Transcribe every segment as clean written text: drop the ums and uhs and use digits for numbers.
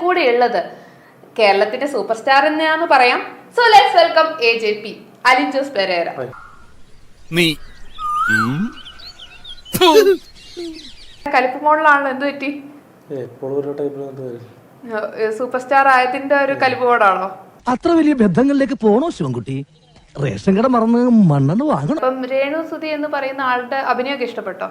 കൂടി ഉള്ളത് കേരളത്തിന്റെ സൂപ്പർ സ്റ്റാർ എന്നാന്ന് പറയാം. So let's welcome AJP Alin Jose Pereira. കലിപ്പ് മോഡലാണല്ലോ, എന്ത് പറ്റി? സൂപ്പർ സ്റ്റാർ ആയതിന്റെ ഒരു കലിപ്പ് മോഡാണോ? അത്ര വലിയ ബന്ധങ്ങളിലേക്ക് പോണോ ശിവൻകുട്ടി? റേഷൻ കട മറന്ന് മണ്ണെന്ന് വാങ്ങണം. അപ്പം രേണു സുധി എന്ന് പറയുന്ന ആളുടെ അഭിനയമൊക്കെ ഇഷ്ടപ്പെട്ടോ?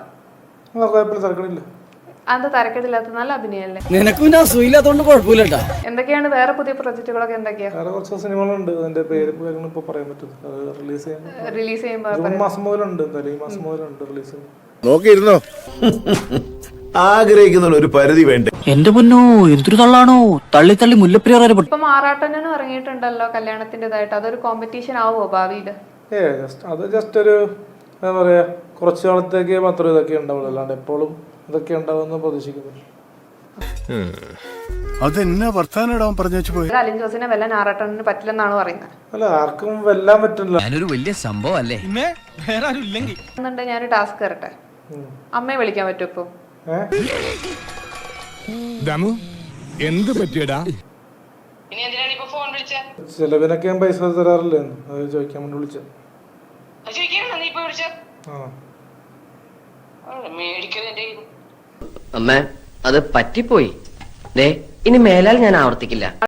അത് തരക്കേടില്ലാത്ത നല്ല അഭിനയല്ലേ? നിനക്ക് പിന്നെ അസുഖമില്ലാത്തോണ്ട് കുഴപ്പമില്ലട്ടാ. എന്തൊക്കെയാണ് വേറെ പുതിയ പ്രൊജക്ടുകളൊക്കെ? എന്തൊക്കെയാ കുറച്ച് സിനിമകളുണ്ട്, അതിന്റെ പേര് ഇപ്പൊ പറയാൻ പറ്റും. റിലീസ് ചെയ്യുമ്പോ ഈ മാസം മുതലുണ്ട്, എന്തായാലും ഈ മാസം മുതലുണ്ട് റിലീസ്. നോക്കിയിരുന്നോ? ആഗ്രഹിക്കുന്ന ഒരു പരിധി വേണ്ടേ? എന്റെ പൊന്നോ, എന്തൊരു തള്ളാണോ, തള്ളി തള്ളി മുല്ലപ്പെരിയാർ. ഇപ്പം ആറാട്ടനും ഇറങ്ങിയിട്ടുണ്ടല്ലോ കല്യാണത്തിൻ്റെതായിട്ട്. അതൊരു കോമ്പറ്റീഷൻ ആവുമോ ഭാവിയില്? അത് ജസ്റ്റ് ഒരു എന്താ പറയാ, കുറച്ചു കാലത്തേക്ക് മാത്രമേ ഇതൊക്കെ ഉണ്ടാവുള്ളൂ, അല്ലാണ്ട് എപ്പോഴും ഇതൊക്കെ ഉണ്ടാവുമെന്ന് പ്രതീക്ഷിക്കുന്നു. അതെന്നാ വർത്താനം പറഞ്ഞു പോയി. അലിൻ ജോസിനെ വെല്ലാൻ ആറാട്ടണിന് പറ്റില്ലെന്നാണ് പറയുന്നത്. അല്ല, ആർക്കും വെല്ലാൻ പറ്റില്ല. ഞാനൊരു വലിയ സംഭവം അല്ലേ? ഞാനൊരു ടാസ്ക് തരട്ടെ. അമ്മയെ വിളിക്കാൻ പറ്റും ഇപ്പൊ? എന്ത് പറ്റിയടാ? ചെലവിനൊക്കെ ഞാൻ പൈസ തരാറില്ലേ, അത് ചോദിക്കാൻ വേണ്ടി വിളിച്ച. അമ്മ, അത് പറ്റിപ്പോയി. ഇനി മേലാൽ ഞാൻ ആവർത്തിക്കില്ല.